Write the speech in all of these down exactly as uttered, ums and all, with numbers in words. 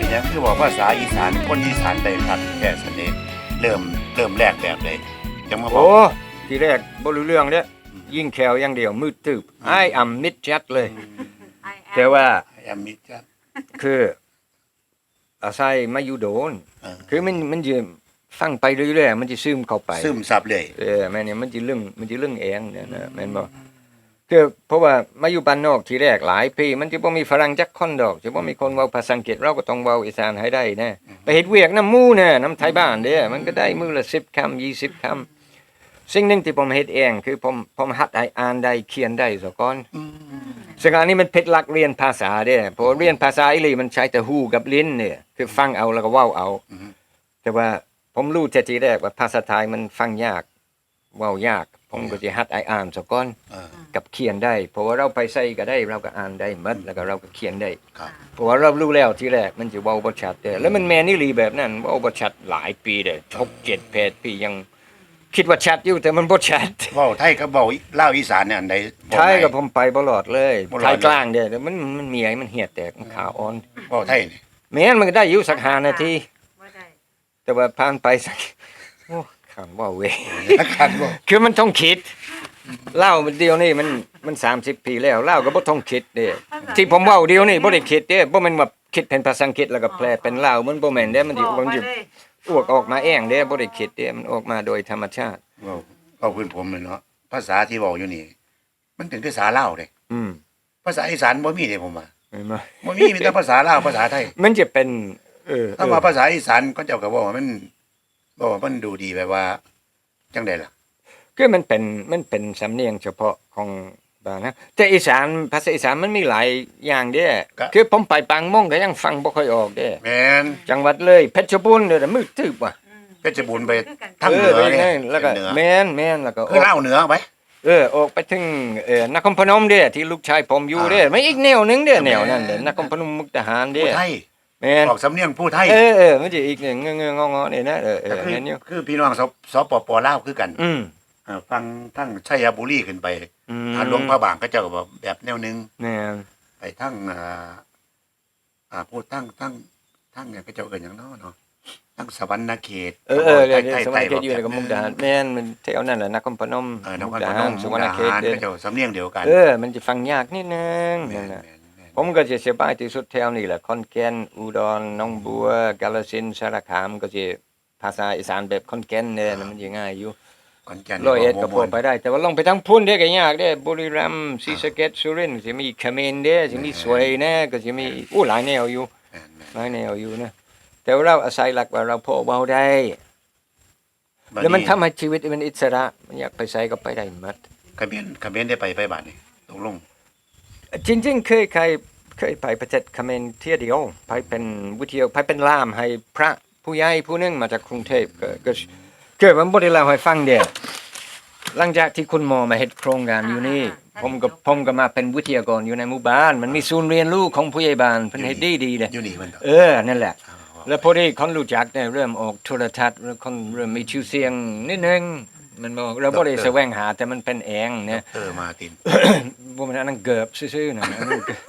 ยังคือบอกภาษาอีสานคนอีสานได้ครับแค่เสน่ห์เริ่มเริ่มแรกแบบใดจังมาบอโอ้กทีแรกบ่รู้เรื่องเด้ยิ่งแขวอย่างเดียวมืดตึบไอ้อ่ำมิดชัดเลย แต่ว่าแอมมิจัดคืออาศัยมาอยู่โดนเออคือมันมันจะฟังไปเรื่อยๆมันจะซึมเข้าไปซึมซับเลยเออแม่เนี่ยมันจะเรื่องมันจะเรื่องเองเนี่ยนะแม่นบ่คือเพราะว่ามาอยู่บ้านนอกทีแรกหลายปีมันจะบ่มีฝรั่งจักคนดอกจะบ่มีคนเว้าภาษาอังกฤษเราก็ต้องเว้าอีสานให้ได้นะไปเฮ็ดเวียกนำหมู่น่ะนำไทยบ้านเด้อมันก็ได้มื้อละสิบคำยี่สิบคำสิ่งหนึงที่ผมเฮ็ดเองคือผมผมหัดให้อ่านได้เขียนได้ซะก่อนซึ่งอันนี้มันผิดหลักเรียนภาษาเด้อเพราะเรียนภาษาอีหลีมันใช้แต่หูกับลิ้นเนี่ยคือฟังเอาแล้วก็เว้าเอาแต่ว่าผมรู้แต่ทีแรกว่าภาษาไทยมันฟังยากเว้ายากผมก็สิหัดให้อ่านซะก่อนเออกับเขียนได้เพราะว่าเราไปใส่ก็ได้เราก็อ่านได้หมดแล้วก็เราก็เขียนได้ครับเพราะว่าเรารู้แล้วทีแรกมันจะเว้าบ่ชัดเด้อแล้วมันแม่นอีหลีแบบนั้นเว้าบ่ชัดหลายปีเด้อหกเจ็ด แปดปียังคิดว่าชัดอยู่แต่มันบ่ชัดเว้าไทยกับเว้าลาวอีสานเนี่ยอันใดบอกไทยไหนกับผมไปบ่รอดเลยบ่รอดไทยกลางเด้อแต่มันมันเมียมันเหียดแตกมันขาอ่อนเว้าไทยนี่แม่นมันก็ได้อยู่สักห้านาทีแต่ว่าผ่านไปสักโอ้ขันว่าเว้ยคันบ่คือมันต้องคิดเล่ามันเดียวนี่มันมันสามสิบปีแล้วเล่าก็บ่ต้องคิดเด้ที่ผมเว้าเดียวนี่บ่ได้คิดเด้บ่แม่นว่าคิดเป็นภาษาอังกฤษแล้วก็แปลเป็นลาวมันบ่แม่นเด้มันสิมันสิอวกออกมาเองเด้บ่ได้คิดเด้มันออกมาโดยธรรมชาติเว้าเว้าพื้นผมเลยเนาะภาษาที่เว้าอยู่นี่ มันเป็นภาษาลาวเด้อืมภาษาอีสานบ่มีเด้ผมว่าเห็นบ่บ่มีมีแต่ภาษาลาวภาษาไทยมันจะเป็นเออถ้ามาภาษาอีสานก็เจ้าก็บอกว่ามันบอกว่ามันดูดีแบบว่าจังได๋ล่ะคือมันเป็นมันเป็นสำเนียงเฉพาะของบ้านนะแต่อีสานภาษาอีสานมันมีหลายอย่างเด้คือผมไปปางม่งก็ยังฟังบ่ค่อยออกเด้แม่นจังหวัดเลยเพชรบูรณ์เด้อมือตึบว่ะเพชรบูรณ์ไปทางเหนืไปอเนี่ยแล้วก็เหนือแม่นแม่นแล้วก็คือลาวเหนือไปเออออกไปถึงเอ่อนครพนมเด้ที่ลูกชายผมอยู่เด้ไม่อีกแนวหนึงเด้แนวนั้นเด้นครพนมมุกดาหารเด้ผู้ไทยแม่นออกสำเนียงผู้ไทยเออเออมันจะอีกหนึ่งเงๆงอๆนี่นะเออเอก็อคือแม่นอยู่คือพี่น้องสสปปลาวคือกันอืมเอ่อฟังทั้งชัยบุรีขึ้นไปอืมทางหลวงพระบางก็เจ้าก็บอกแบบแนวหนึงแม่นไปทั้งอ่าอ่าพูดทั้งทั้งทั้งเนี่ยก็เจ้าเอิ้นหยังเนาะเนาะทั้งสวรรณเขตเออเออเดี๋ยวใต้ๆสใต้วรรณเขตอยู่ในกับมุกดาหารแม่นมันแถวนั้นแหละนครพนมเออนคมุรกดาพนหารมสุวรรณเขตมุกดาหารเด้ก็เจ้าสำเนียงเดียวกันเออมันจะฟังยากนิดนึงแม่นั่นนน่ะแม่นแม่นผมก็จะสบายที่สุดแถวนี้แหละขอนแก่นอุดรหนองบัวกาฬสินธุ์สารคามก็สิภาษาอีสานแบบขอนแก่นเนี่ยนะมันสิง่ายอยู่ขอนแก่นร้อยเอ็ดก็พบ่อม่วนไปได้ แต่ว่าลงไปทางพุ่นเด้ก็ยากเด้บุรีรัมย์ศรีสะเกษสุรินทร์สิมีเขมรเด้สิมีสวยแน่ก็สิมีอู้หลายแนวอยู่แม่นแม่นหลายแนวอยู่นะแต่ว่าเราอาศัยหลักว่าเราพอเว้าได้บัดแล้วมันทำให้ชีวิตมันอิสระมันอยากไปไสก็ไปได้หมดเขมรเขมรได้ไปไปบัดนี้ตกลงจริงๆเคยเคยเคยไปประเทศเขมรเที่ยวเดียวไปเป็นวิทยาไปเป็นล่ามให้พระผู้ใหญ่ผู้หนึงมาจากกรุงเทพก็ก็เกิดมันบ่ได้เล่าให้ฟังเด้หลังจากที่คุณหมอมาเฮ็ดโครงการอยู่นี่ผมก็ผมก็มาเป็นวิทยากรอยู่ในหมู่บ้าน มันมีศูนย์เรียนรู้ของผู้ใหญ่บ้านเพิ่นเฮ็ดดีดีๆเด้อยู่นี่มันเถอะเออนั่นแหละ แล้วพอดีคนรู้จักเนี่ยเริ่มออกโทรทัศน์แล้วคนเริ่มมีชื่อเสียงนิดนึงมันบอกเราบ่ได้แสวงหาแต่มันเป็นเองเนี่ยเออมาตินบ่แม่นอันนั้นเกือบซื่อๆนะอันนั้นเกือบ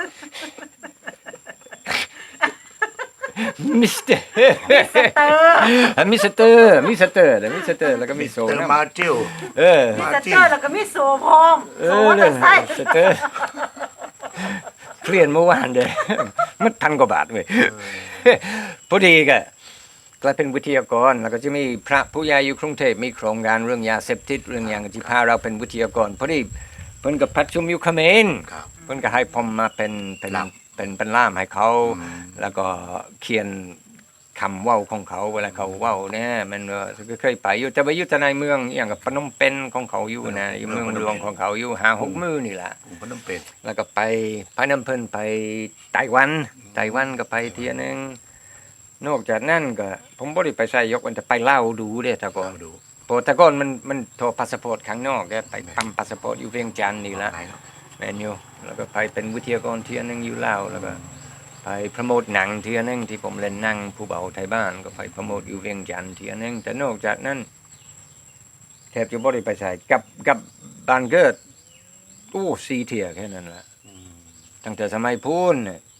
มิสเตอร์มิสเตอร์มิสเตอร์เดี๋ยวมิสเตอร์แล้วก็มีโซเตอร์นะมาจิลเออมีสเตอร์แล้วก็มีโซพร้อมเอโซอมอเตเนี่อย ร์ไซค์มิสเตอร์เครียดเมื่อวานเด้อมันพันกว่าบาทเว้ยพอดีก็กลายเป็นวิทยากรแล้วก็จะมีพระผู้ใหญ่อยู่กรุงเทพมีโครงการเรื่องยาเสพติดเรื่องอย่างที่พาเราเป็นวิทยากรพอดีเพิ่นก็ประชุมอยู่เขมรครับเพิ่นก็ให้ผมมาเป็นเป็นล่ามเป็นเป็นล่ามให้เขาอืมแล้วก็เขียนคำเว้าของเขาเวลาเขาเว้าเนี่ยมันก็เคยไปอยู่แต่ไปอยู่แต่ในเมืองอหย่างกับพนมเปญของเขาอยู่นะอยู่เมืองหลวงของเขาอยู่ห้าหกมื้อนี่ล่ะผมก็ต้องเป็นแล้วก็ไปพาน้ำเพิ่นไปไต้หวันไต้หวันก็ไปเที่ยนึงนอกจากนั้นก็ผมบ่ได้ไปใส่ยกมันจะไปลาวดูเด้แต่ก่อนเราดูเพราะแต่ก่อนมันมันโทรพาสปอร์ตข้างนอกเด้ไปปั๊มพาสปอร์ตอยู่เวียงจันทน์นี่ล่ะไปเนาะแมนยูแล้วก็ไปเป็นวิทยากรเที่ยนึงอยู่ลาวแล้วก็ไปโปรโมทหนังเที่ยนึงที่ผมเล่นหนังผู้เบาไทยบ้านก็ไปโปรโมทอยู่เวียงจันทน์เที่ยนึงแต่นอกจากนั้นแทบจะบ่ได้ไปใส่กับกับบ้านเกิดโอ้สี่เที่ยแค่นั้นล่ะตั้งแต่สมัยพูนเนี่ย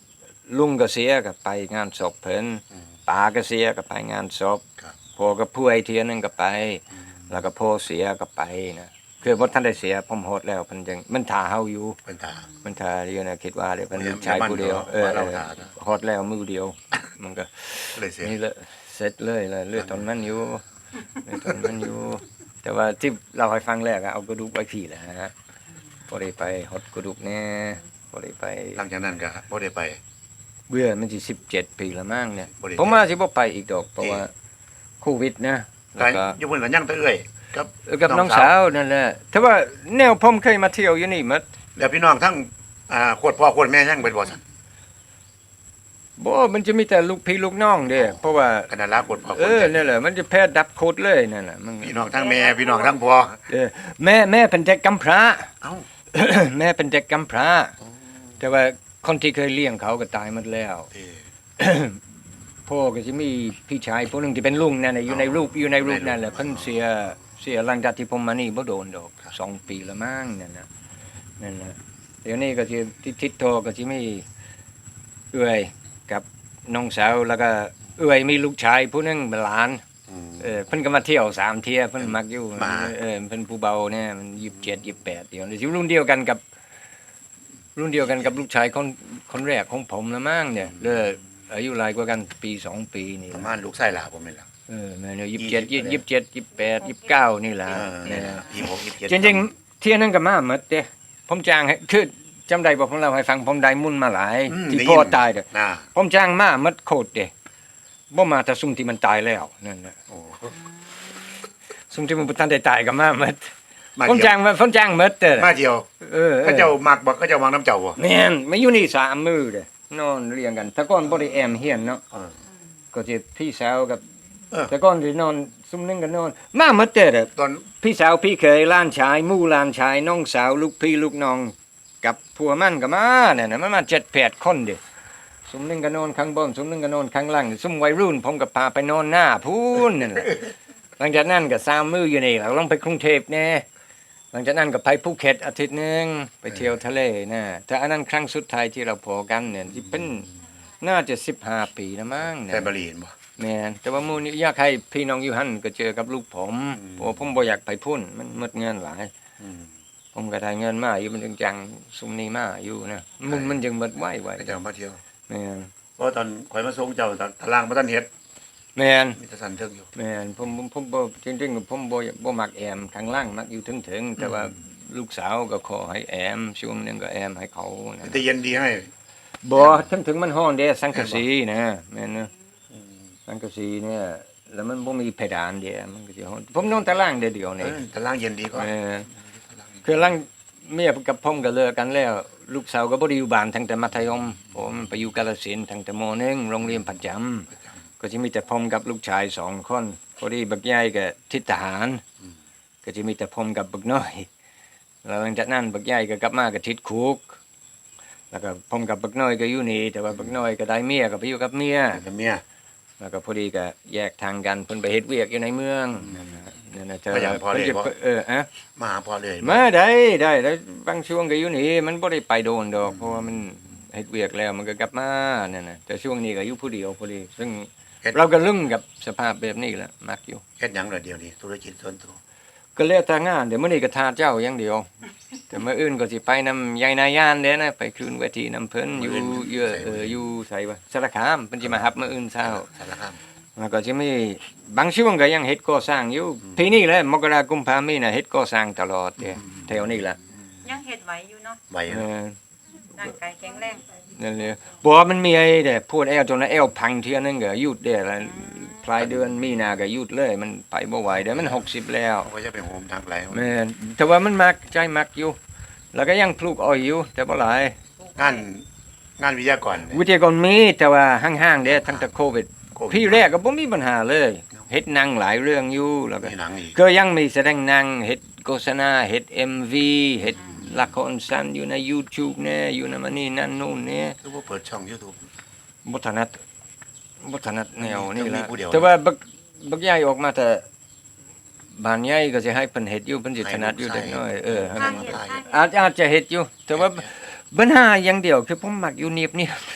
ลุงก็เสียก็ไปงานศพเพิ่นอืมป้าก็เสียก็ไปงานศพครับพ่อก็ป่วยเทียนึงก็ไปอืมแล้วก็พ่อเสียก็ไปนะคือบ่ทันได้เสียผมโหดแล้วเพิ่นจังมันท่าเฮาอยู่เป็นตามันท่าอยู่นะคิดว่าเดี๋ยวเพิ่นโอ้ยลูกชายผู้เดียวอย่ามั่นเออว่าเราท่านะโหดแล้วมือเดียว มันก็เลยเสียนี่แหละเสร็จเลยเลยเลือดตอนมันอยู่เลือดตอนมันอยู่ แต่ว่าที่เราให้ฟังแรกอะเอากระดูกไว้พี่แหละฮะพอได้ไปหดกระดูกแน่พอได้ไปหลังจากนั้นก็บ่ได้ไปเบื่อมันสิสิบเจ็ดปีละมั้งเนี่ยบ่ได้ผมว่าสิบ่ไปอีกดอกเพราะเอ๊ะว่าโควิดนะแล้วก็ก็อยู่เพิ่นก็ยังแตะเอื้อยกับเออกับน้องสาวนั่นแหละแต่ว่าแนวผมเคยมาเที่ยวอยู่นี่หมดแล้วพี่น้องทั้งอ่าโคตรพ่อโคตรแม่ยังเป็นบ่ซั่นบ่มันจะมีแต่ลูกพี่ลูกน้องเด้เพราะว่าขนาดลาโคตรพ่อโคเอตรอแม่นั่นแหละมันจะแพ้ดับโคตรเลยนั่นน่ะมันพี่น้องทั้งแม่พี่น้องทั้งพ่อเออแม่แม่เป็นเด็กกำพร้าเอ้าแม่เป็นเด็กกำพร้า แต่ว่าคนที่เคยเลี้ยงเขาก็ตายหมดแล้วเออพ่อก็จะมีพี่ชายผู้หนึงที่เป็นลุงนั่นน่ะอยู่ในรูปอยู่ในรูปนั่นแหละในรูปเพิ่นเสียเสียหลังจากที่ผมมานี่บ่โดนดอกสองปีละมั้งนั่นน่ะนั่นน่ะเดี๋ยวนี้ก็สิที่ทิศโทก็สิมีเอื้อยกับน้องสาวแล้วก็เอื้อยมีลูกชายผู้หนึงเป็นหลานอืมเออเพิ่นก็มาเที่ยวสามเที่ยเพิ่นมักอยู่มาเออเพิ่นผู้เบาเนี่ยมันยี่สิบเจ็ด ยี่สิบแปดเดี๋ยวนี้สิรุ่นเดียวกันกับ รุ่นเดียวกันกับลูกชายคนคนแรกของผมละมั้งเนี่ยเด้ออายุหลายกว่ากันปีสองปีนี่ประล่ะมาณลูกชายหลาผมนี่ล่ะเออแม่เนี่ยยี่สิบเจ็ดยี่สิบเจ็ดยี่สิบแปดยี่สิบเก้านี่ล่ะเออเนี่ยยี่สิบหกยี่สิบเจ็ดจริงๆเที่ยนั้นก็มาหมดเด้ผมจ้างให้คือจำได้บ่ผมเล่าให้ฟังผมได้มุ่นมาหลายอืมที่ได้พ่อยินตายเด้อน่าผมจ้างมาหมดโคตรเด้บ่มาแต่ซุ่มที่มันตายแล้วนั่นน่ะโอ้ซุ่มที่มันบ่ทันได้ตายก็มาหมดมาผมเที่ยวจ้างมาผมจ้างหมดเด้อมาเที่ยวเออออก็เจ้ามักบ่ก็เจ้ามักน้ำเจ้าบ่แม่นมาอยู่นี่สามมือเด้นอนเรียงกันแต่ก่อนบ่ได้แอมเฮียนเนาะเออก็สิพี่สาวกับเออแต่ก่อนสินอนซุ่มหนึงก็นอน มาหมดเด้อเด้อตอนพี่สาวพี่เคยหล้านชายหมู่หล้านชายน้องสาวลูกพี่ลูกน้องกับผัวมันก็มาเนี่ยนะมันมาเจ็ดแปดคนเด้ซุ่มหนึงก็นอนข้างบนซุ่มหนึงก็นอนข้างล่างซุ่มวัยรุ่นผมก็พาไปนอนหน้าพูนนั่นแหละ หลังจากนั้นก็สามมืออยู่นี่แล้วลงไปกรุงเทพแน่หลังจากนั้นก็ไปภูเก็ตอาทิตย์หนึงไปเที่ยวทะเลนะแต่อันนั้นครั้งสุดท้ายที่เราพอกันเนี่ยที่เป็นน่าจะสิบห้าปีแล้วมั้งแฟเนี่ยนบรีนบ่แม่นแต่ว่าหมู่นี้อยากให้พี่น้องอยู่หั่นก็เจอกับลูกผมอืมเพราะว่าผมบ่อยากไปพุ่นมันหมดเงินหลายอืมผมก็ได้เงินมาอยู่มันจึงจังซุมนี้มาอยู่นะมันมันจึงหมดไวไวก็เจ้ามาเที่ยวแม่นเพราะตอนข่อยมาส่งเจ้าตารางบ่ทันเฮ็ดแม่นมีแต่สันเทิงอยู่แม่นผมผมผมบ่จริงๆผมบ่บ่มักแอมข้างล่างมักอยู่ถึงๆแต่ว่าลูกสาวก็ขอให้แอมช่วงนึงก็แอมให้เขานะแต่เย็นดีให้บ่ถึงถึงมันฮ้อนเด้สังกะสีนะแม่นนะสังกะสีเนี่ยแล้วมันบ่มีเพดานเด้มันก็สิฮ้อนผมนอนตารางเดียวเดียวเอนี่อตารางเย็นดีกว่าเออคือหลังเมียกับผมก็เลิกกันแล้ว ลูกสาวก็บ่ได้อยู่บ้านตั้งแต่มัธยมผมไปอยู่กาฬสินธุ์ตั้งแต่มหนึ่งโรงเรียนประจำก็สิมีแต่ผมกับลูกชายสองคนพอดีบักใหญ่ก็ทิศทหาร ก็จะมีแต่ผมกับบักน้อย แล้วหลังจากนั้นบักใหญ่ก็กลับมาก็ทิศคุก แล้วก็ผมกับบักน้อยก็อยู่นี่แต่ว่าบักน้อยก็ได้เมียก็ไปอยู่กับเมียกับเมียแล้วก็พอดีก็แยกทางกันเพิ่นไปเฮ็ดเวียกอยู่ในเมืองนั่นน่ะนั่นน่ะเธอก็อย่างพอเลยเพิ่นบ่จะเอออะมาหาพ่อเลยมาได้ได้แล้วบางช่วงก็อยู่นี่มันบ่ได้ไปโดนดอกเพราะว่ามันเฮ็ดเวียกแล้วมันก็กลับมานั่นน่ะแต่ช่วงนี้ก็อยู่ผู้เดียวพอดีซึ่งเราก็ลึ่งกับสภาพแบบนี้แหละมักอยู่เฮ็ดหยังล่ะเดี๋ยวนี้ธุรกิจส่วนตัวก็แล้วแต่งานเดี๋ยวมื้อนี้ก็ทาเจ้าอย่างเดียว แต่มื้ออื่นก็สิไปนำยายนายานเด้นะไปคืนเวทีนำเพิ่นอยู่เยอะเอออยู่ไสวะสารคามเพิ่นสิมารับมื้ออื่นเช้าสารคามแล้วก็สิมีบางช่วงก็ยังเฮ็ดก่อสร้างอยู่ปีนี้แหละมกราคมกุมภามีน่ะเฮ็ดก่อสร้างตลอดเด้แถวนี้ล่ะยังเฮ็ดไหวอยู่เนาะไว้เออร่างกายแข็งแรงนั่นเลยบ่ว่ามันมีไอ้เด้พูดแอวจนว่าแอวพังเที่ยนึงก็หยุดเด้แล้วปลายเดือนมีนาก็หยุดเลย มันไปบ่ไหวเด้มันหกสิบแล้วเขาก็จะไปโฮมทางไกลแม่นแต่ว่ามันมักใจมักอยู่ แล้วก็ยังปลูกอ้อยอยู่ แต่บ่หลายงานงานวิทยากรเนี่ยวิทยากรมีแต่ว่าห่างๆเด้ทั้งแต่โควิดโควิดพี่แรกก็บ่มีปัญหาเลยเฮ็ดหนังหลายเรื่องอยู่แล้วก็มีหนังอีกก็ยังมีแสดงหนังเฮ็ดโฆษณาเฮ็ด เอ็ม วี เฮ็ดละครสั้นอยู่ใน YouTube แน่อยู่ในมันนี่นั่นนู่นแน่คือว่าเปิดช่อง YouTube บ่ถนัดบ่ถนัดแนวนี่ต้องมีล่ะผู้เดียวแต่ว่าบักบักใหญ่ออกมาแต่บ้านใหญ่ก็สิให้เพิ่นเฮ็ดอยู่เพิ่นสิถนัดอยู่เด็กน้อยเออทางเฮ็ดทางเฮ็ดอาจอาจจะเฮ็ดอยู่ แต่ว่าปัญหาอย่างเดียวคือผมมักอยู่เนียบอยู่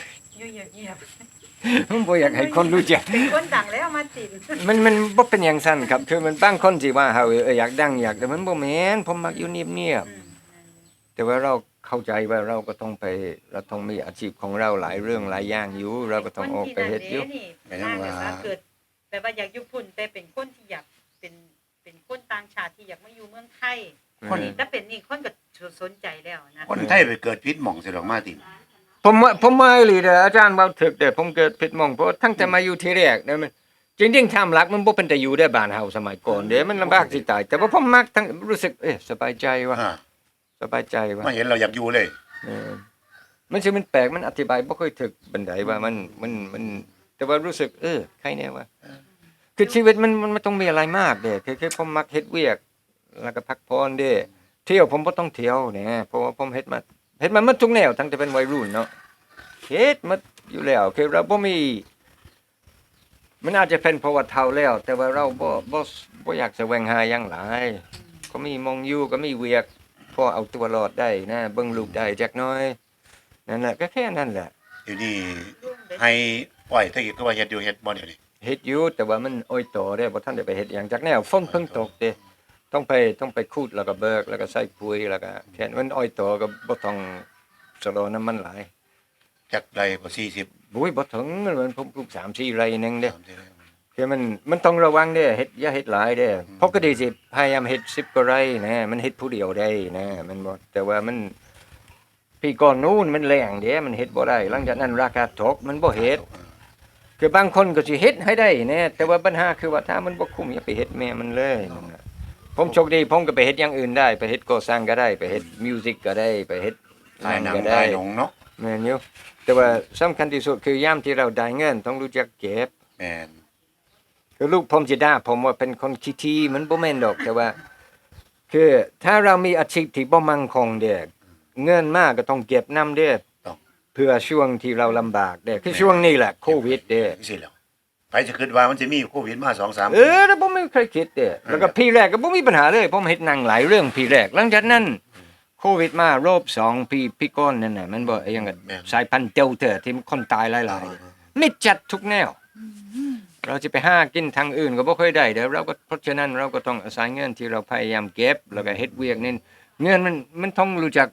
อยู่เงียบผมบ่อยากให้คนรู้จักๆเป็นคนดังแล้วมาจีบมันมันบ่เป็นอย่างซั่นครับคือมันบางคนสิว่าเฮาเอออยากดังอยากแต่มันบ่แม่นผมมักอยู่เงียบอืมๆแต่ว่าเราเข้าใจว่าเราก็ต้องไปเราต้องมีอาชีพของเราหลายเรื่องหลายอย่างอยู่เราก็ต้องออกไปเฮ็ดอยู่เป็นคนที่นั่นเด้นี่ทางแบบว่าเกิดแบบว่าอยากอยู่พุ่นแต่เป็นคนที่อยากเป็นเป็นคนต่างชาติที่อยากมาอยู่เมืองไทยคนนี่ถ้าเป็นนี่คนก็สนใจแล้วนะคนไทยไปเกิดพิษหม่องสิดอกมาติผมว่าผมว่าอีหลีเด้ออาจารย์เว้าถึกแต่ผมเกิดผิดหม่องเพราะทั้งแต่มาอยู่ที่แรกเนี่ยมันจริงๆทำหลักมันบ่เป็นแต่อยู่ได้บ้านเฮาสมัยก่อนเด้มันลำบากสิตายแต่ว่าผมมักทั้งรู้สึกเอ๊ะสบายใจว่ะอ่าสบายใจว่ะมาเห็นเราอยากอยู่เลยเออมันสิมันแปลกมันอธิบายบ่ค่อยถึกปานใดว่ามันมันมันแต่ว่ารู้สึกเออใครแน่ว่าคือชีวิตมันมันมันต้องมีอะไรมากเด้คือคือผมมักเฮ็ดเวียกแล้วก็พักผ่อนเด้เที่ยวผมบ่ต้องเที่ยวแหน่เพราะว่าผมเฮ็ดมาเฮ็ดมาหมดทุกแนวตั้งแต่เป็นวัยรุ่นเนาะเฮ็ดหมาอยู่แล้วคือเราบ่มีมันอาจจะเป็นเพราะว่าเฒ่าแล้ว แต่ว่าเราบ่บ่บ่อยากแสวงหาหยังหลายก็มีมองอยู่ก็มีเวียกพอเอาตัวรอดได้นะเบิ่งลูกได้จักหน่อยนั่นแหละก็แค่นั้นแหละเดี๋ยวนี้ให้ปล่อยถ้าเกิดก็ว่าเฮ็ดอยู่เฮ็ดบ่เดี๋ยวนี้เฮ็ดอยู่แต่ว่ามันอ้อยโตเด้บ่ทันได้ไปเฮ็ดหยังจักแนวฝนเพิ่งตกเด้ต้องไปต้องไปคูดแล้วก็เบิกแล้วก็ใส่ปุ๋ยแล้วก็แค่นั้นมันอ้อยโตก็บ่ต้องสโลน้ำมันหลายจักไรบ่สี่สิบบุ้ยบ่ถึงมันมันผมปลูกสามสี่ไร่นึงเด้สามสิบไร่คือมันมันต้องระวังเด้เฮ็ดอย่าเฮ็ดหลายเด้ปกติสิพยายามเฮ็ดสิบกว่าไร่นะมันเฮ็ดผู้เดียวได้นะมันบ่แต่ว่ามันปีก่อนนู้นมันแรงเด้มันเฮ็ดบ่ได้หลังจากนั้นราคาตกมันบ่เฮ็ด คือบางคนก็สิเฮ็ดให้ได้แน่แต่ว่าปัญหาคือว่าถ้ามันบ่คุ้มอย่าไปเฮ็ดแม่มันเลยนั่นน่ะผมโชคดีผมก็ไปเฮ็ดอย่างอื่นได้ไปเฮ็ดก่อสร้างก็ได้ไปเฮ็ดมิวสิกก็ได้ไปเฮ็ดถ่ายหนังก็ถ่าได้ยหนังเนาะแม่นอยู่แต่ว่าสำคัญที่สุดคือยามที่เราได้เงินต้องรู้จักเก็บแม่นคือลูกผมสิด่าผมว่าเป็นคนขี้ทีมันบ่แม่นดอกแต่ว่า คือถ้าเรามีอาชีพที่บ่มั่นคงเด้เงินมาก็ต้องเก็บนำเด้ต้องเพื่อช่วงที่เราลำบากเด้คือช่วงนี้แหละโควิดเด้สิแล้วไปจะคิดว่ามันจะมีโควิดมา สองสามเออแล้วผมไม่เคยคิดเด้แล้วก็พี่แรกก็บ่มีปัญหาเลยผมเฮ็ดหนังหลายเรื่องพี่แรกหลังจากนั้นโควิดมารอบสองปีพี่ก้อนนั่นน่ะมันบ่ไอ้หยังก็สายพันธุ์เดลต้าที่คนตายหลายๆมิดจัดทุกแนว เราจะไปหากินทางอื่นก็บ่ค่อยได้เด้อเราก็เพราะฉะนั้นเราก็ต้องอาศัยเงินที่เราพยายามเก็บแล้วก็เฮ็ดเวียกนี่เงินมันมันต้องรู้จัก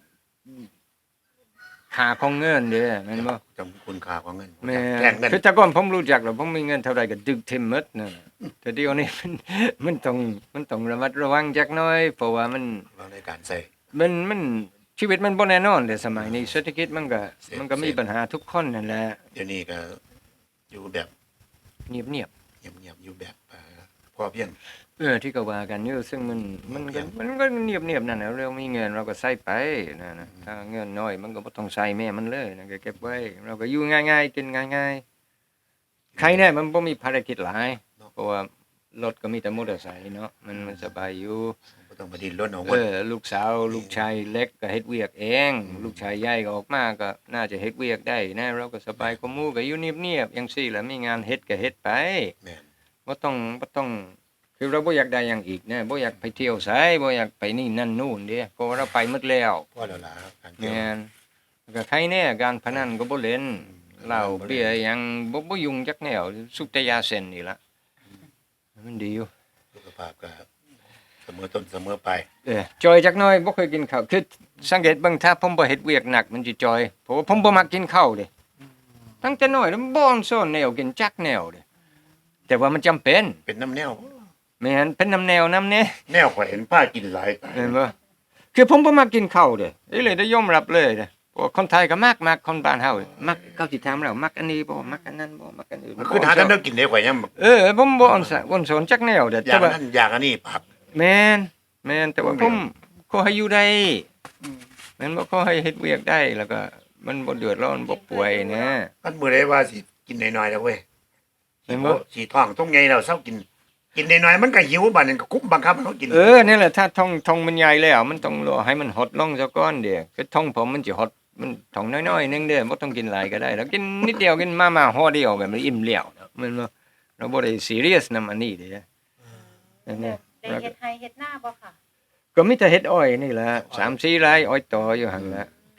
ค่าของเงินเด้อแม่นบ่จำคุณค่าของเงินแม่แลกเงินคือแต่ก่อนผมรู้จักแล้วผมมีเงินเท่าใดก็ดึกทิ่มหมดนั่นน่ะแต่เดี๋ยวนี้ มันมันต้องมันต้องระมัดระวังจักหน่อยเพราะว่ามันวางในการใส่มันมันชีวิตมันบ่แน่นอนเด้อสมัยนี้เศรษฐกิจมันก็เสพมันก็มีเสพปัญหาทุกคนนั่นแหละเดี๋ยวนี้ก็อยู่แบบเงียบเงียบๆอยู่แบบเอ่อพอเพียงๆเออที่ก็ว่ากันอยู่ซึ่งมันมันก็มันก็เงียบๆนั่นน่ะเรามีเงินเราก็ใช้ไปนั่นน่ะถ้าเงินน้อยมันก็บ่ต้องใช้แม่มันเลยนะก็เก็บไว้เราก็อยู่ง่ายๆกินง่ายๆใครแน่มันบ่มีภารกิจหลายเพราะว่ารถก็มีแต่มอเตอร์ไซค์เนาะมันมันสบายอยู่บ่ต้องมาดิ้นรนเอาเอเงินอลูกสาวลูกชายเล็กก็เฮ็ดเวียกเองลูกชายใหญ่ก็ออกมาก็น่าจะเฮ็ดเวียกได้นะเราก็สบายกว่าหมู่ก็อยู่เงียบๆจังซี่แหละมีงานเฮ็ดก็เฮ็ดไปแม่นบ่ต้องบ่ต้องคือเราบ่อยากได้หยังอีกนะบ่อยากไปเที่ยวไสบ่อยากไปนี่นั่นนู่นเด้เพราะว่าเราไปหมดแล้วพอแล้วล่ะการเที่ยวแม่นแล้วก็ใครแน่การพนันก็บ่เล่นเหล้าเบียร์หยังบ่บ่ยุ่งจักแนวสุบแต่ยาเส้นนี่ล่ะมันดีอยู่สุขภาพก็เสมอต้นเสมอปลายเออจอยจักหน่อยบ่เคยกินข้าวคือสังเกตเบิ่งถ้าผมบ่เฮ็ดเวียกหนักมันสิจอยเพราะว่าผมบ่มักกินข้าวเด้ตั้งแต่น้อยแล้วบ่อนซ่อนแนวกินจักแนวเด้แต่ว่ามันจำเป็นเป็นน้ำแนวแม่นเป็นน้ำแนวน้ำแน่แนวข่อยเห็นป้ากินหลายตายเห็นบ่คือผมบ่มักกินข้าวเด้อีเลยได้ยอมรับเลยเด้เพราะว่าคนไทยก็มักมักคนบ้านเฮามักเขาสิถามเรามักอันนี้บ่มักอันนั้นบ่มักอันอื่นมันคือหาทางเดินกินได้ข่อยยังเออผมบ่อ่อนสะอ่อนสอนจักแนวเด้อแต่ย่างว่านั้นอย่างอันนี้ปรับแม่นแม่นแต่ว่าผมขอให้อยู่ได้แม่นบ่ขอให้เฮ็ดเวียกได้แล้วก็มันบ่เดือดร้อนบ่ป่วยนะมันมื้อใดว่าสิกินน้อยๆแล้วเว้ยเห็นบ่สิท้องต้องใหญ่แล้วเซากิน กินน้อยๆมันก็หิวบัดนั้นก็คุมบังคับให้เขากินเออนี่แหละถ้าท้องท้องมันใหญ่แล้ว มันต้องรอให้มันหดลงซะก่อนเด้คือท้องผมมันสิหดมันท้องน้อยๆนึงเด้บ่ต้องกินหลายก็ได้แล้วกินนิดเดียวกินมาม่าห่อเดียวแบบมันอิ่มแล้วเนาะมันบ่เราบ่ได้ซีเรียสนำอันนี้เด้นั่นแหละได้เฮ็ดไห้เฮ็ดหน้าบ่ค่ะก็มีแต่เฮ็ดอ้อยนี่แหละสามสี่ไร่อ้อยต่ออยู่หั่นแหละค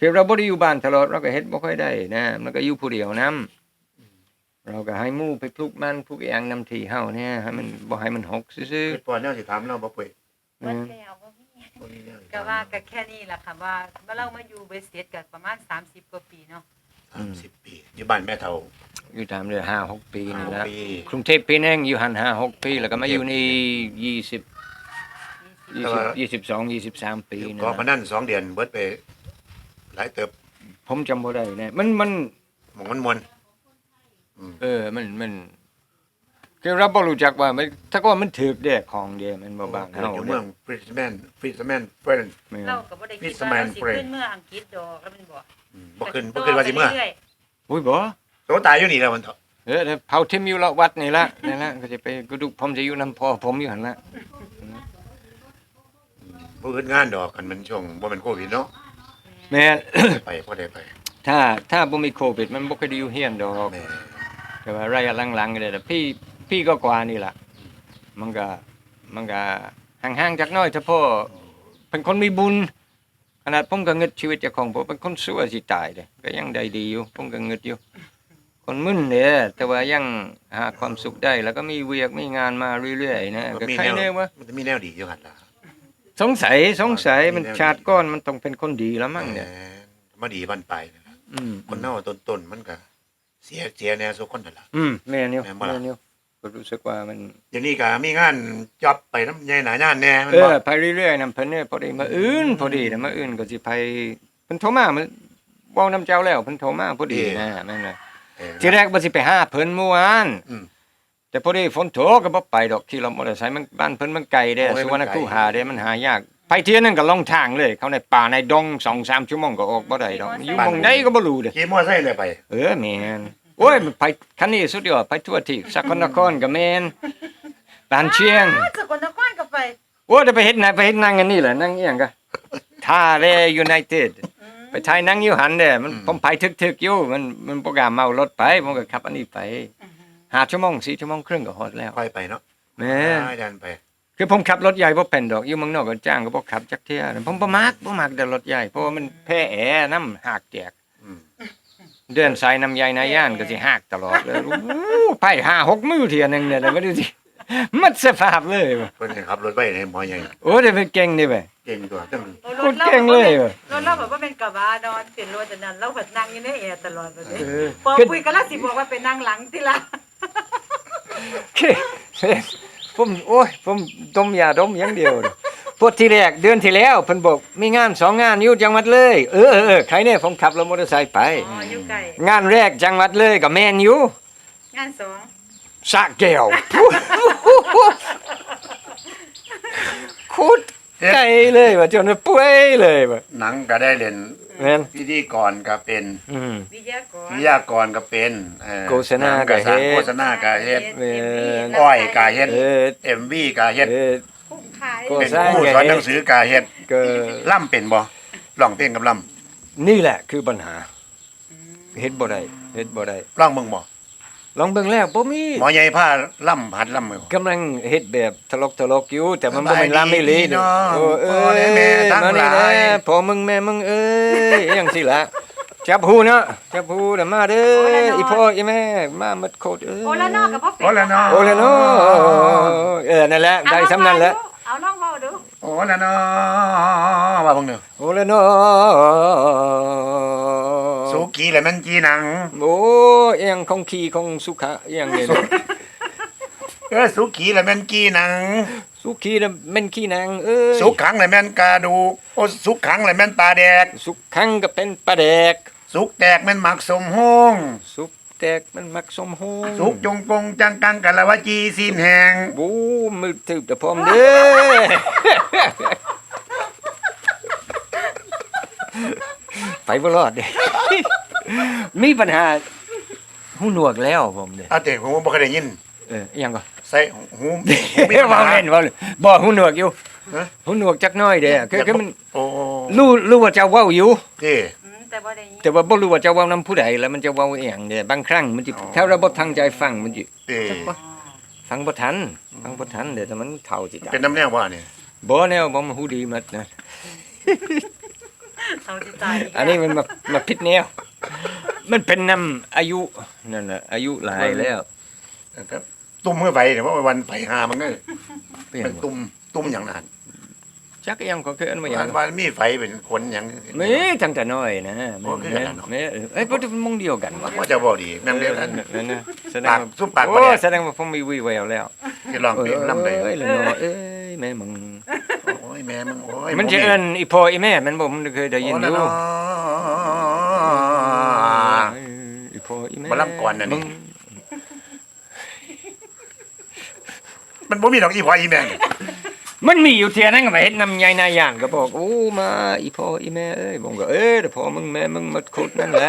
คือเราบ่ได้อยู่บ้านตลอดเราก็เฮ็ดบ่ค่อยได้นะมันก็อยู่ผู้เดียวนํเราก็ให้หมู่ไปปลูกมันปลูกอีหยังนำที่เฮาเนี่ยให้มันบ่ให้มันหกซื่อเฮ็ดปอนแนวสิถามเราบ่เปื่อยเบิดแล้วบ่มีบ่มีแนวสิก็ถามว่าก็แค่นี้ล่ะค่ะว่าเมื่อเรามาอยู่เบสเสร็จก็ประมาณสามสิบกว่าปีเนาะสามสิบปีอยู่บ้านแม่เฒ่าๆอยู่ตามเดือนห้าหกปีนี่ห้าละปีกรุงเทพปีนึงอยู่หันห้าหกปีแล้วก็มาอยู่นี่ยี่สิบ ยี่สิบ ยี่สิบสอง ยี่สิบสามปีนี่ก็นะมานั่นสองเดือนเบิดไปหลายเติบผมจำบ่ได้แน่มันมันหมองมันมวนอืมเออ มัน มันคือเราบ่รู้จักว่ามันถ้าก็มันถูกแดกของเดียมันบ่บางเกิดเฮาอยู่เนี่เมืยองฟริสแมนฟริสแมนเฟิร์นแม่นเราก็บ่ได้คิด It's a ว่า man เราสิ friend ขึ้นเมื่ออังกฤษดอกแล้วมันบ่อืมบ่ขึ้นบ่ขึ้นว่าสิเมื่อรื่ยอุ้ยบ่โตตายอยู่นี่แล้วมันเถอะเออเผาทิ่มอยู่ละวัดนี่ละนี่ละก็จะไปกระดูกผมจะอยู่นำพ่อผมอยู่หั่นละบ่อื่นงานดอกกันมันช่วงบ่แม่นโควิดเนาะแม่นไปบ่ได้ไปถ้าถ้าบ่มีโควิดมันบ่เคยได้อยู่เฮียนดอกแม่แต่ว่าระยะหลังๆก็ได้แต่พี่พี่ก็กว่านี่ล่ะมันก็มันก็ห่างๆจักหน้อยเฉพาะเป็นคนมีบุญขนาดผมก็งึดชีวิตเจ้าของผมเป็นคนชั่วสิตายเด้ก็ยังได้ดีอยู่ผมก็งึดอยู่ คนมึนเด้แต่ว่ายังหาความสุขได้แล้วก็มีเวียกมีงานมาเรื่อยๆนะก็มีใครแนวแน่ว่ามันจะมีแนวดีอยู่หั่นล่ะสงสัยสงสัยมีมันแนวดีชาติก้อนมันต้องเป็นคนดีแล้วมั้งเนี่ยแหมมาดีบันปลายนั่นล่ะอืมคนเฮาต้นๆมันก็เสียเสียแนวสุคนนั่นล่ะอืมแม่นอยู่แม่นบ่ล่ะแม่นอยู่ก็รู้สึกว่ามันเดี๋ยวนี้ก็มีงานจ็อบไปน้ำใหญ่หนางานแน่มันเอบ่อไปเรื่อยๆนำเพิ่นเนี่ยพอดีมาอื่นพอดีนะมาอื่นก็สิไปเพิ่นโทรมามันเว้านำเจ้าแล้วเพิ่นโทรมาพอดีนะแม่นน่ะเออทีแรกบ่สิไปหาเพิ่นเมื่อวานอืมแต่พอดีฝนตกก็บ่ไปดอกขี่รถมอเตอร์ไซค์มันบ้านเพิ่นมันไกลเด้โอ้ยสุวรรณมันไกลคูหาเด้มันหายากไปเที่ยนึงก็ลงทางเลย เข้าในป่าในดง สองสาม ชั่วโมงก็ออกบ่ได้ดอกอยู่หม่องใดก็บ่รู้เด้ขี่มอไซค์เลยไปเออแม่นโอ้ยมันไปคันนี้สุดยอดไปทั่วที่สกลนครก็แม่นบ้านเชียงอ้าวสกลนครก็ไปโอ้ยได้ไปเฮ็ดหนะไปเฮ็ดหนั่งกันนี่แหละนั่งอีหยังก็ท่าแรยูไนเต็ดอืมไปถ่ายหนังอยู่หันเด้มันอืมผมไปทึกๆอยู่มันมันบ่กล้าเมารถไปผมก็ขับอันนี้ไปห้าชั่วโมงสี่ชั่วโมงครึ่งก็ฮอดแล้วค่อยไปเนาะแม่ได้ดันไปคือผมขับรถใหญ่บ่เป็นดอกอยู่เมืองนอกก็จ้างก็บ่ขับจักเที่ยผมบ่มักบ่มักแต่รถใหญ่เพราะว่ามันแพ้แอร์น้ำหากแจกอืมเดินสายน้ำใหญ่นายย่านก็สิหากตลอดเลยโอ้โหไปห้าหกมื้อเที่ยหนึงเนี่ยแล้วบ่ดูสิมันสภาพเลยว่ะเพิ่นให้ขับรถไปให้หมอใหญ่โอ้ได้เป็นเก่งนี่เว้ยเก่งตัวจังโอ้โคตรเก่งเลยว่ะรถเราแบบว่าเป็นกระบะนอนเป็นรถอันนั้นเราก็นั่งอยู่ในแอร์ตลอดแบบนี้เออพอคุยกันแล้วสิบอกว่าเป็นนั่งหลังที่ละผมโอ้ยผมดมยาดมอย่างเดียวเลยพวกที่แรกเดือนที่แล้วเพิ่นบอกมีงานสองงานอยู่จังหวัดเลยเออเออเออใครเนี่ยผมขับรถมอเตอร์ไซค์ไปอ๋ออยู่ไกลงานแรกจังหวัดเลยกับแมนอยู่งานสองสระแก้วคุดไกลเลยว่าจนว่าป่วยเลยว่าหนังก็ได้เล่นแม่นพิธีกรก็เป็นอืมวิทยากรวิทยากรก็เป็นเออโฆษณาก็เฮ็ดโฆษณาก็เฮ็ดแม่นอ้อยก็เฮ็ดเออเอ็มวีก็เฮ็ดเออผู้ขายก็เป็นสร้างครูสอนหนังสือก็เฮ็ดก็ล่ำเป็นบ่ร้องเพลงกับล่นี่แหละคือปัญหาเฮ็ดบ่ได้เฮ็ดบ่ได้ำร้องเบิ่งบ่ลองเบิ่งแล้วบ่มีหมอใหญ่พาล่ำหัดล่ำมือกำลังเฮ็ดแบบทะลกทะลกอยู่แต่มันบ่สบายแม่นลามไม่ลีดีเด้เนาะโอ้เอ้พ่อและแม่ทั้งมานี่หลายนะพ่อมึงแม่มึงเอ้ยอหยังสิล่ะจับหูเนาะจับหูเด้อมาเด้ออีพ่ออีแม่มาหมดโคตรเอ้ยโอละนอกกับพ่อเป็ดโอละนอโอ้ละเนาะเออนั่นแหละได้สำนั้นแหละเอาลองเว้าดูโอ้ละเนาะว่าเบิ่งเด้อโอ้ละเนาะสุกี้แหละมันจีหนังโอ้อหยังของขี้ของสุขะอหยังเนี่ยเออสุกี้แหละมันกีหนังสุขีน่ะแม่นขี้นางเอ้ยสุกขังแหละแม่นกระดูกโอ้สุกขังแหละแม่นปลาแดกสุขขังก็เป็นปลาแดกสุกแตกแม่นหมักสมโฮงสุกแตกมันมักสมโหงสุกจงกงจังกังกะละวะจีสินแหงบูมือถือแต่พร้อมเด้อ ไปบ่รอดเด้ มีปัญหาหูหนวกแล้วผมเด้เอาแต่ผมบ่เคยได้ยินเอออิหยังก็ใส่หูหูมีปัญเว้าหาเล่นเว้าเล่นบ่หูหนวกอยู่ฮะหูหนวกจักหน้อยเด้คือคือมันโอ้รู้รู้ว่าจะเว้าอยู่ที่อืมแต่บ่ได้ยินแต่ว่าบ่รู้ว่าจะเว้านำผู้ใดแล้วมันจะเว้าอีหยังเด้บางครั้งมันสิถ้าเราบ่ตั้งใจฟังมันสิที่อ๋อฟังบ่ทันฟังบ่ทันเด้แต่มันเฒ่าจิตเป็นน้ำแนวว่านี่บ่แนวบ่มาฮู้ดีหมดนะเอาที่ใจอันนี้มันมามาผิดแนวมันเป็นนำอายุนั่นน่ะอายุหลายแล้วครับตุ่มเมื่อไฟเนี่ยเพราะว่าวันไฟหามันก็เปลี่ยเป็น นตุ่มตุ่มอย่างนั้นจักยังก็คืออันว่าหยัวันงวันมีไฟเป็นคนอย่างมีตั้งแต่น้อยนะโอ้คือกันนะเนาะแม่เออเอ้ยบ่ได้มงเดียวกันวะว่าจะบอกดีแม่งเดียวกันนั่นน่ะแสดงปากว่าซุปปากบ่โอ้แดกแสดงว่าผมมีวีแววแล้วที่ลองเพลงน้ำเลยเอ้ยแล้วเนาะเอ้ยแม่มึงโอ้ยแม่มึงโอ้ยมันจะเอิ้นอีพ่ออีแม่มันบ่มันเคยได้ยินอยู่ เอ้ยอีพ่ออีแม่มาล่ำก่อนน่ะนี่มึงมันบ่มีดอกอีพออีแม่งมันมีอยู่เทียนั้นก็มาเฮ็ดนำใหญ่นายย่างก็บอกโอ้มาอีพ่ออีแม่เอ้ยผมก็เอ้ยแต่พ่อมึงแม่มึงมาขุดนั่นแหละ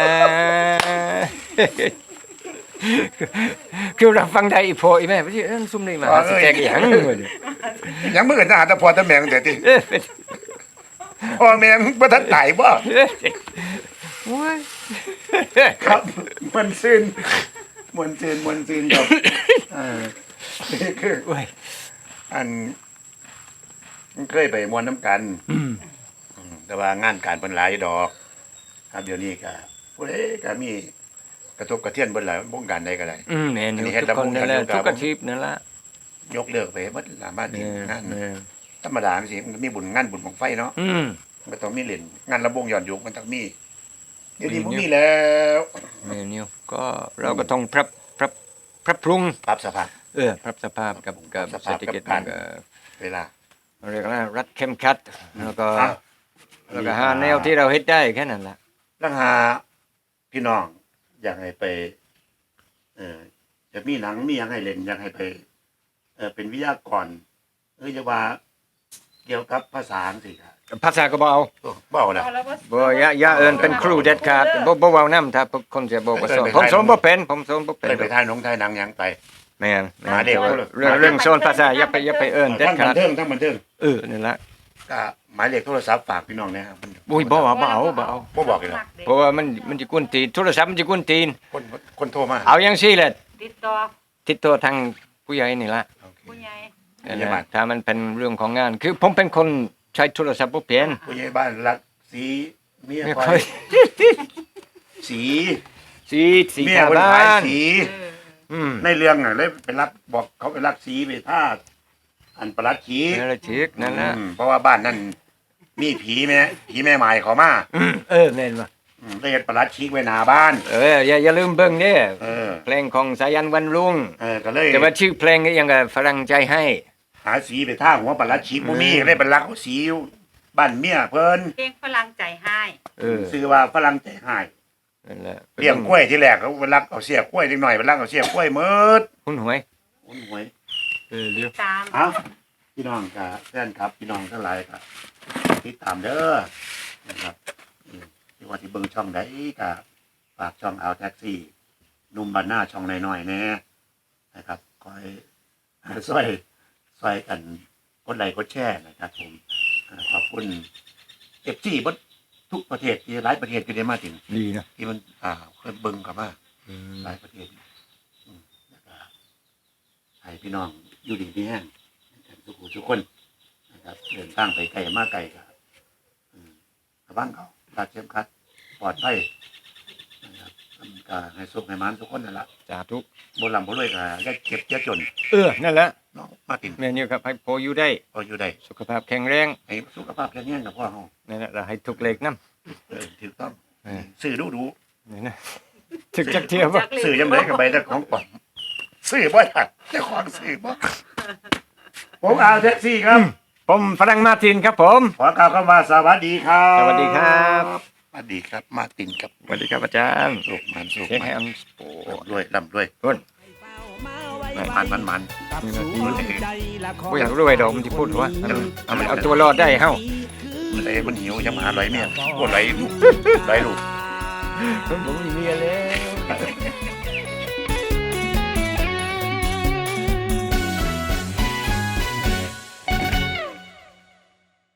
คือเราฟังได้อีพ่ออีแม่บ่สิเอิ้นซุ่มนี่มาหาสิแจกอีหยังเว้ยยังมือจะหาแต่พอแต่แม่งแต่ติเอ้ยพ่อแม่มึงบ่ทันตายบ่โอ้ยครับมันซื่นมันซื่นมันซื่นครับเออนี่คือโอ้ยอันมันเคยไปมวนน้ำกันอืมอืมแต่ว่างานการเป็นหลายดอก ครับเดี๋ยวนี้ก็ผู้ใดก็มีกระทบกระเทือนเบิ่นหลายวงการใดก็ได้อืมแม่นอยู่อันนี้เฮ็ดทุกคนนั่นแหละแล้วผมทุกอาชีพนั่นล่ะยกเลิกไปหมดหลายบ้านเอนี่องานเออธรรมดาสิมันมีบุญงานบุญของไฟเนาะอืมมันต้องมีเล่นงานระบงย้อนยุคมันต้องมีเดี๋ยวนี้มีบ่อยู่มีแล้วแม่นอยู่ก็เราก็ต้องปรับปรับปรับปรุงปรับสภาพเออปรับสภาพกับกับปรับสเศรภาพษฐกิจกับการมันก็เวลาเรียกว่ารัดเข้มขัดแล้วก็อ่ะแล้วก็หาแนวที่เราเฮ็ดได้แค่นั้นล่ะลังหาพี่น้องอยากให้ไป เออจะมีหนังมีหยังให้เล่นอยากให้ไป เออเป็นวิทยากรเออจะว่าเกี่ยวกับภาษาสิครับภาษาก็บ่เอาโอ้บ่เอาละบ่อย่าอย่าเอิ้นเป็นครูเด็ดขาดบ่บ่เว้านำถ้าคนจะบ่ก็สอนผมสอนบ่เป็นผมสอนบ่เป็นไปไปถ่ายหนงถ่ายหนังหยังไปแม่นแม่นหาเด็กแต่ว่าเรื่องเรื่องสอนภาษาอย่าไปอย่าไปเอิ้นเด็ดทั้งบัขาน ดเทิงทั้งบันเทิงเออนั่นล่ะก็หมายเลขโทรศัพท์ฝากพี่น้องนะครับอุ้ยบ่เอาบ่เอาบ่เอาบ่บอกเลยหรอกเพราะว่ามันมันสิกวนตีนโทรศัพท์มันสิกวนตีนคนคนโทรมาเอาจังซี่แหละติดต่อติดต่อทางผู้ใหญ่นี่ล่ะโอเคผู้ใหญ่นั่นแหละถ้ามันเป็นเรื่องของงาน คือผมเป็นคนใช้โทรศัพท์บ่เป็นผู้ใหญ่บ้านรักสีเมียไม่คค่ออยยสีสีสีเมียชาวคนบ้าขายนสีเอออืมในเรื่องอ่ะเลยไปรักบอกเขาไปรักสีไปท่าอันประหลัดขีนั่นแหละชิกนั่นแหละอืมเพราะว่าบ้านนั่นมีผีแม่ผีแม่หมายเขามาอืมเออแม่นบ่อืมได้เฮ็ดประหลัดขีไว้หน้าบ้านเอออย่าอย่าลืมเบิ่งเด้เออเพลงของสายันวันรุ่งเออก็เลยแต่ว่าชื่อเพลงก็ยังกับฝรั่งใจให้หาสีไปท่าหัวประหลัดขีบ่มีก็เลยไปรักเอาสีอยู่บ้านเมียเพิ่นเพลงฝรั่งใจให้เออซื้อว่าฝรั่งใจหายนั่นแหละเลี้ยงกล้วยที่แรกเขาไปรักเอาเสียกล้วยนิดหน่อยไปรักเอาเสียกล้วยหมดคุณหวยโอ้ยหวยเออเดี๋ยวตามเอ้าพี่น้องกับแฟนครับ พี่น้องทั้งหลายครับติดตามเด้อนะครับอืมที่ว่าที่เบิ่งช่องใดก็ฝากช่องเอาแท็กซี่หนุ่มบ้านหน้าช่องน้อยๆแน่นะครับคอยซอยซอยกันกดไลค์กดแชร์นะครับ ผมอ่าขอบคุณเอฟซีบดทุกประเทศที่หลายประเทศที่ได้มาถึงดีนะที่มันอ่าเคยเบิ่งกลับมาอืมหลายประเทศอืมแล้วก็ให้พี่น้องอยู่ดีมีแห้งทุกผู้ทุกคนนะครับเดินทางไปไกลมาไกลกับระวังเขารัดเข้มขัดปลอดภัยนะครับมันก็ให้สุขให้มันทุกคนนั่นแหละสาธุบนลำบนรวยก็อย่าเก็บอย่าจนเออนั่นแหละเนาะมาตินแม่นี่ครับให้พออยู่ได้พออยู่ได้สุขภาพแข็งแรงให้สุขภาพแข็งแรงกับพ่อเฮานั่นแหละแล้วให้ทุกเลขนำเออถูกต้องเออซื้อดูดูนี่นะถึกจักเที่ยวบ่จักเลยซื้อยังไงกับใบแต่ของปลอมซื้อบ่ได้แต่ของซื้อบ่ผมเอาแท็กซี่ครับผมฝรั่งมาร์ตินครับผมขอกล่าวคำว่าสวัสดีครับสวัสดีครับสวัสดีครับ มาร์ตินครับสวัสดีครับอาจารย์สุกมันสุกเช็คมัให้นอันโอ้ร่ำด้วยร่ำด้วยต้นมันมันมันบ่อยากรู้ไอ้ดอกมันสิพูดว่าอันเอามันเอาตัวรอดได้เฮามันเลยมันหิวจะมาไหลเมียปวดไหลลูกไหลลูกผมมีเมียแล้ว